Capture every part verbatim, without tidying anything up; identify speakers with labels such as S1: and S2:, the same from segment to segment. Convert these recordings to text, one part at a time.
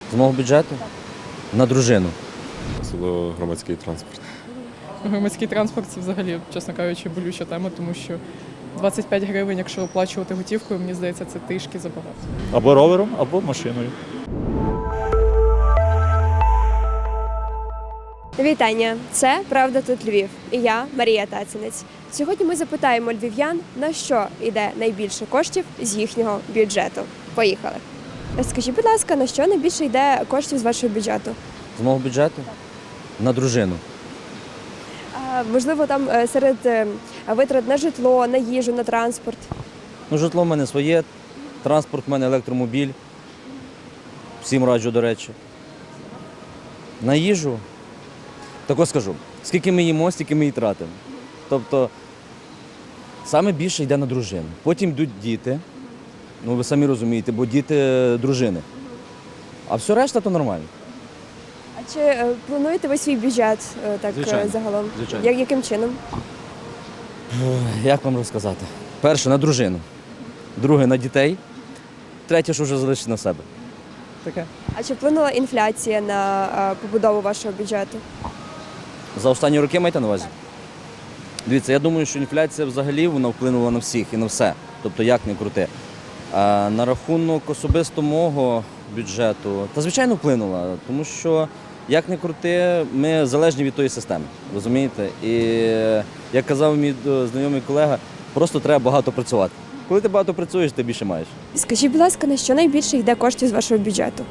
S1: З мого бюджету? На дружину.
S2: Особливо громадський транспорт.
S3: Громадський транспорт – це взагалі, чесно кажучи, болюча тема, тому що двадцять п'ять гривень, якщо оплачувати готівкою, мені здається, це трішки забагато.
S4: Або ровером, або машиною.
S5: Вітання! Це «Правда тут Львів» і я, Марія Тацінець. Сьогодні ми запитаємо львів'ян, на що йде найбільше коштів з їхнього бюджету. Поїхали! Скажіть, будь ласка, на що найбільше йде коштів з вашого бюджету?
S1: З мого бюджету? На дружину.
S5: А, можливо, там е, серед е, витрат на житло, на їжу, на транспорт.
S1: Ну, житло в мене своє, транспорт в мене електромобіль. Всім раджу, до речі. На їжу? Тако скажу, скільки ми їмо, стільки ми і тратимо. Тобто, саме більше йде на дружину. Потім йдуть діти, ну ви самі розумієте, бо діти – дружини. А все решта – то нормально.
S5: А чи е, плануєте ви свій бюджет е, так е,
S1: Звичайно.
S5: загалом?
S1: Звичайно.
S5: Я- яким чином?
S1: Як вам розказати? Перше – на дружину, друге – на дітей, третє, що вже залишить на себе. Таке.
S5: А чи вплинула інфляція на е, побудову вашого бюджету?
S1: За останні роки маєте на увазі? Дивіться, я думаю, що інфляція взагалі вона вплинула на всіх і на все. Тобто як не крути. А на рахунок особисто мого бюджету, та звичайно вплинула, тому що як не крути, ми залежні від тої системи, розумієте? І як казав мій знайомий колега, просто треба багато працювати. Коли ти багато працюєш, ти більше маєш.
S5: Скажіть, будь ласка, на що найбільше йде коштів з вашого бюджету?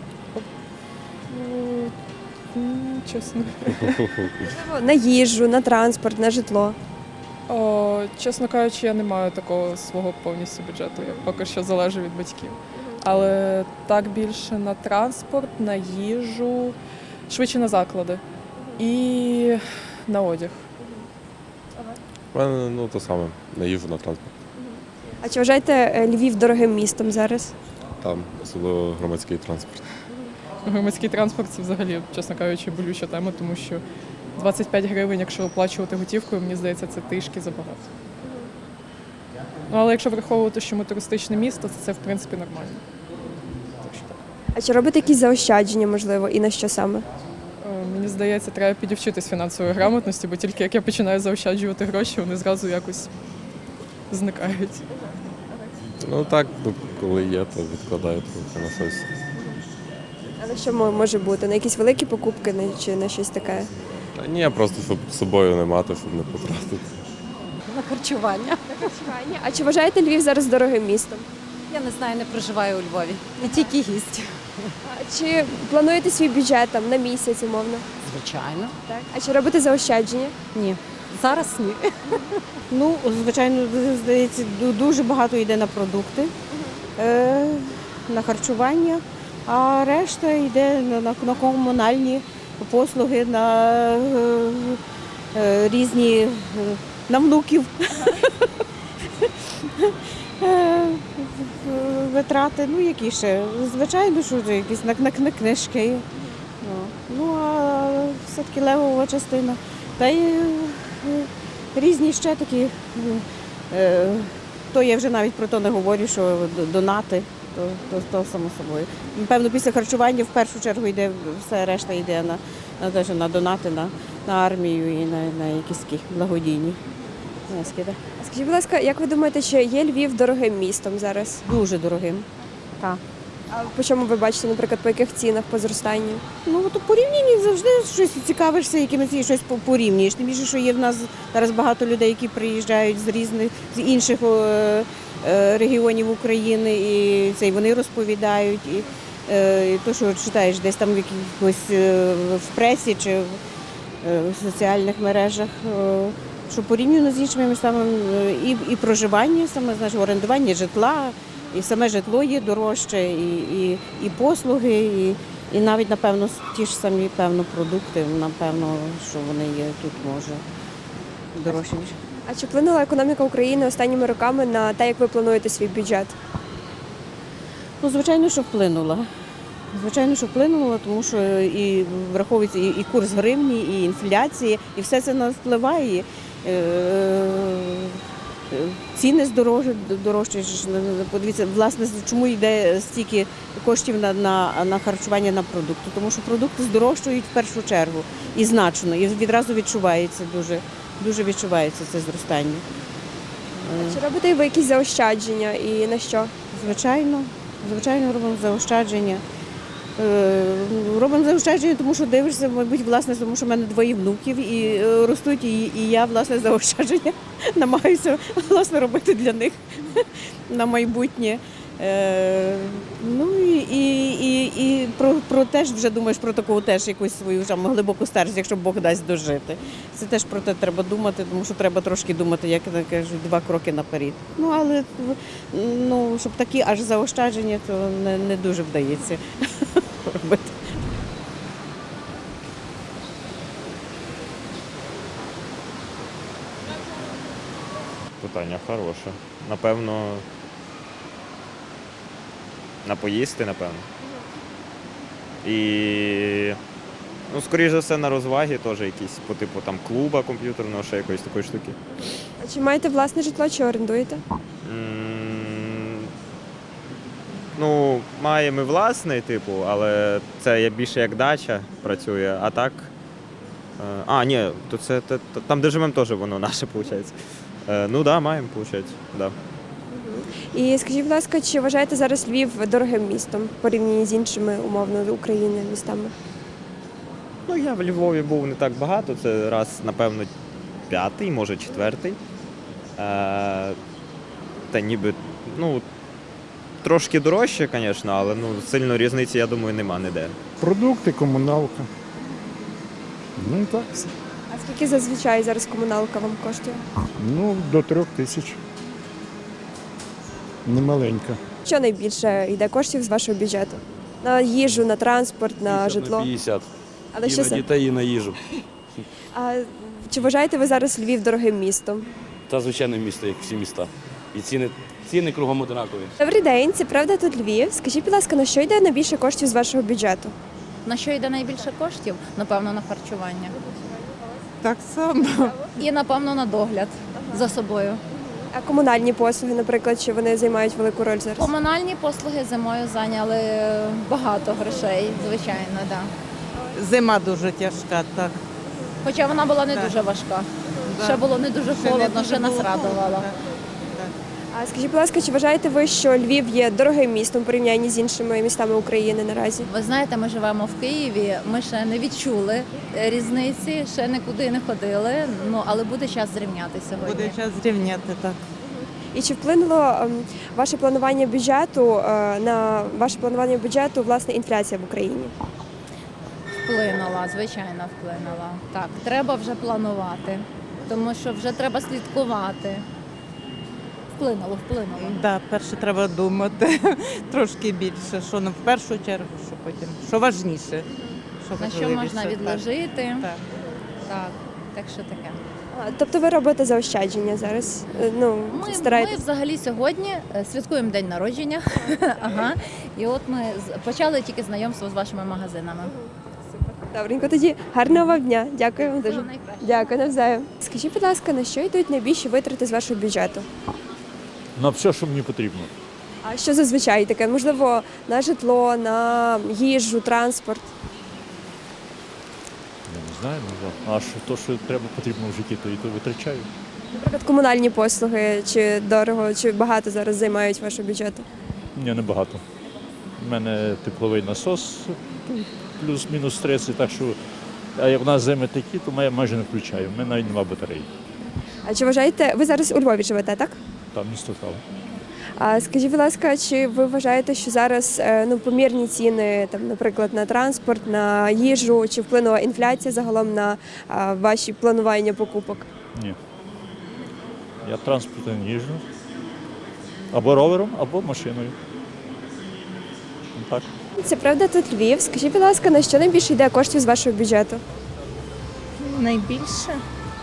S3: М, Чесно.
S5: На їжу, на транспорт, на житло.
S3: О, чесно кажучи, я не маю такого свого повністю бюджету. Я поки що залежу від батьків. Але так більше на транспорт, на їжу, швидше на заклади і на одяг.
S2: У мене ну, то саме, на їжу, на транспорт.
S5: А чи вважаєте е, Львів дорогим містом зараз?
S2: Там, особливо громадський транспорт.
S3: Громадський транспорт – це взагалі, чесно кажучи, болюча тема, тому що двадцять п'ять гривень, якщо оплачувати готівкою, мені здається, це трішки забагато. Ну, але якщо враховувати, що ми туристичне місто, то це, в принципі, нормально. Так що так.
S5: А чи робите якісь заощадження, можливо, і на що саме?
S3: Е, Мені здається, треба підівчитись фінансової грамотності, бо тільки як я починаю заощаджувати гроші, вони зразу якось зникають.
S2: Ну так, ну, коли є, то відкладаю трохи на щось.
S5: А на що мо- може бути? На якісь великі покупки на- чи на щось таке?
S2: Та ні, просто щоб з собою не мати, щоб не потратити.
S6: На харчування.
S5: А чи вважаєте Львів зараз дорогим містом?
S6: Я не знаю, не проживаю у Львові. Я тільки гість.
S5: А чи плануєте свій бюджет там на місяць, умовно?
S6: Звичайно.
S5: Так. А чи робите заощадження?
S6: Ні. Зараз ні.
S7: Ну, звичайно, здається, ду- дуже багато йде на продукти, е, на харчування, а решта йде на, на, на комунальні послуги, на е, е, різні е, на внуків Е, витрати. Ну, які ще? Звичайно, що вже якісь на, на, на книжки. Ну, ну, а все-таки левова частина. Та й е, різні ще такі, е, то я вже навіть про то не говорю, що д- донати, то, то, то само собою. Певно, після харчування в першу чергу йде, все решта йде на, на, теж на донати, на, на армію і на, на якісь такі благодійні внески. Да.
S5: А скажіть, будь ласка, як ви думаєте, чи є Львів дорогим містом зараз?
S7: Дуже дорогим. Так.
S5: А по чому ви бачите, наприклад, по яких цінах, по зростанню?
S7: Ну, то порівнянні завжди щось цікавишся, якимось і щось по- порівнюєш. Тим більше, що є в нас зараз багато людей, які приїжджають з різних з інших е, е, регіонів України, і це і вони розповідають. І, е, і то, що читаєш десь там в якихось е, в пресі чи в, е, в соціальних мережах, е, що порівняно з іншими містами е, і, і проживання, саме значить, орендування житла. І саме житло є дорожче, і, і, і послуги, і, і навіть, напевно, ті ж самі певно, продукти, напевно, що вони є тут, може, дорожчі. ніж.
S5: А чи вплинула економіка України останніми роками на те, як ви плануєте свій бюджет?
S7: Ну, звичайно, що вплинула. Звичайно, що вплинуло, тому що і враховується і, і курс гривні, і інфляція, і все це на нас впливає. Е, ціни здорожчі, дорожчі. ж, Подивіться, власне, чому йде стільки коштів на, на, на харчування на продукти? Тому що продукти здорожчують в першу чергу і значно, і відразу відчувається дуже, дуже відчувається це зростання.
S5: Чи робите ви якісь заощадження і на що?
S7: Звичайно, звичайно, робимо заощадження. Е, Робимо заощадження, тому що дивишся, мабуть, власне, тому що в мене двоє внуків і е, ростуть, і, і я, власне, заощадження намагаюся, власне, робити для них на майбутнє. Е, Ну і, і, і, і про, про теж вже думаєш про таку теж якусь свою там, глибоку старість, якщо Бог дасть дожити. Це теж про те треба думати, тому що треба трошки думати, як я кажу, два кроки наперед. Ну але ну, щоб такі аж заощадження, то не, не дуже вдається робити.
S2: Питання хороше. Напевно, на поїсти, напевно. І, ну, скоріш за все, на розваги теж якісь, по типу там клуба комп'ютерного, ще якоїсь такої штуки.
S5: А чи маєте власне житло, чи орендуєте?
S2: М, Ну, маємо і власний, типу, але це я більше як дача працює, а так. е, А, ні, то це те- те- там, де живемо, теж воно наше, виходить. Е, Ну так, да, маємо, виходить. Да.
S5: І скажіть, будь ласка, чи вважаєте зараз Львів дорогим містом в порівнянні з іншими умовно України містами?
S2: Ну, я в Львові був не так багато, це раз, напевно, п'ятий, може четвертий. Е, Та ніби, ну, трошки дорожче, звісно, але ну, сильно різниці, я думаю, нема ніде.
S8: Продукти, комуналка. Ну і так все.
S5: А скільки зазвичай зараз комуналка вам коштує?
S8: Ну, до трьох тисяч. Немаленька.
S5: Що найбільше йде коштів з вашого бюджету? На їжу, на транспорт, на житло?
S9: п'ятдесят.
S5: Але
S9: І
S5: що
S9: на
S5: це?
S9: дітей, і на їжу.
S5: А чи вважаєте ви зараз Львів дорогим містом?
S9: Та звичайне місто, як всі міста. І ціни, ціни кругом однакові.
S5: Добрий день, це правда тут Львів. Скажіть, будь ласка, на що йде найбільше коштів з вашого бюджету?
S6: На що йде найбільше коштів? Напевно, на харчування.
S7: Так само.
S6: І, напевно, на догляд за собою.
S5: А комунальні послуги, наприклад, чи вони займають велику роль зараз?
S6: Комунальні послуги зимою зайняли багато грошей, звичайно, так. Да.
S10: Зима дуже тяжка, так.
S6: Хоча вона була не
S10: Так.
S6: дуже важка.
S10: Да.
S6: Ще було не дуже
S10: Ще не
S6: холодно,
S10: дуже
S6: ще нас
S10: було
S6: радувало.
S10: холодно.
S5: А скажіть, будь ласка, чи вважаєте ви, що Львів є дорогим містом в порівнянні з іншими містами України наразі?
S6: Ви знаєте, ми живемо в Києві, ми ще не відчули різниці, ще нікуди не ходили, ну, але буде час зрівняти сьогодні.
S10: Буде час зрівняти, так.
S5: І чи вплинуло ем, ваше планування бюджету е, на ваше планування бюджету власне інфляція в Україні?
S6: Вплинула, звичайно, вплинула. Так, треба вже планувати, тому що вже треба слідкувати. Вплинуло, вплинуло.
S10: Да, перше треба думати трошки більше, що на в першу чергу, що потім, що важніше. Що
S6: На що
S10: важливіше,
S6: можна
S10: так.
S6: відложити.
S10: Так.
S6: Так, так що таке.
S5: А, тобто ви робите заощадження зараз? Е, Ну,
S6: Ми, ми
S5: стараєтесь?
S6: взагалі сьогодні е, святкуємо день народження. Ага. І от ми з- почали тільки знайомство з вашими магазинами.
S5: Добренько, тоді гарного вам дня. Дякую вам дуже.
S6: Всього найкращого.
S5: Дякую, навзаєм. Скажіть, будь ласка, на що йдуть найбільші витрати з вашого бюджету?
S4: На все, що мені потрібно.
S5: А що зазвичай таке? Можливо, на житло, на їжу, транспорт?
S4: Я не знаю, ну, а що то, що треба потрібно в житті, то і то витрачаю.
S5: Наприклад, комунальні послуги, чи дорого, чи багато зараз займають вашого бюджету?
S4: Ні, небагато. У мене тепловий насос, плюс-мінус тридцять, так що, а як в нас зими такі, то я майже не включаю. У мене навіть нема батареї.
S5: А чи вважаєте, ви зараз у Львові живете, так?
S4: Там місто Трава.
S5: А скажіть, будь ласка, чи ви вважаєте, що зараз е, ну, помірні ціни, там, наприклад, на транспорт, на їжу, чи вплинула інфляція загалом на а, ваші планування покупок?
S4: Ні. Я транспортом їжджу. Або ровером, або машиною. Так.
S5: Це правда тут Львів. Скажіть, будь ласка, на що найбільше йде коштів з вашого бюджету?
S11: Найбільше?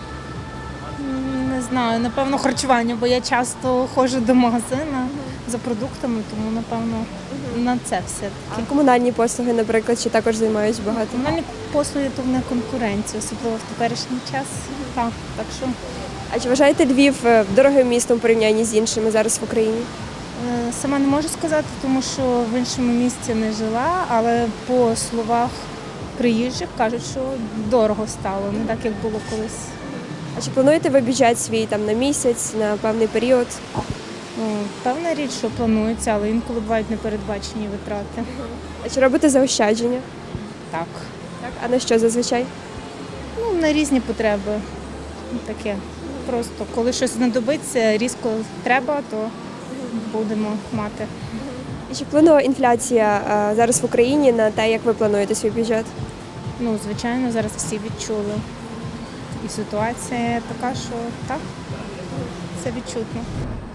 S11: М, Не знаю, напевно, харчування, бо я часто ходжу до магазину за продуктами, тому напевно на це все
S5: А
S11: таки.
S5: комунальні послуги, наприклад, чи також займають багато?
S11: Комунальні послуги то не конкуренція, особливо в теперішній час. Так, так що
S5: А чи вважаєте Львів е, дорогим містом у порівнянні з іншими зараз в Україні?
S11: Е, Сама не можу сказати, тому що в іншому місті не жила, але по словах приїжджих кажуть, що дорого стало, не так, як було колись.
S5: А чи плануєте ви бюджет свій там на місяць, на певний період?
S11: Ну, певна річ, що планується, але інколи бувають непередбачені витрати.
S5: А чи робите заощадження?
S11: Так.
S5: Так. А на що зазвичай?
S11: Ну, на різні потреби. Таке. Просто коли щось знадобиться, різко треба, то будемо мати.
S5: І чи вплинула інфляція е, зараз в Україні на те, як ви плануєте свій бюджет?
S11: Ну, звичайно, зараз всі відчули. І ситуація така, що так, це відчутно.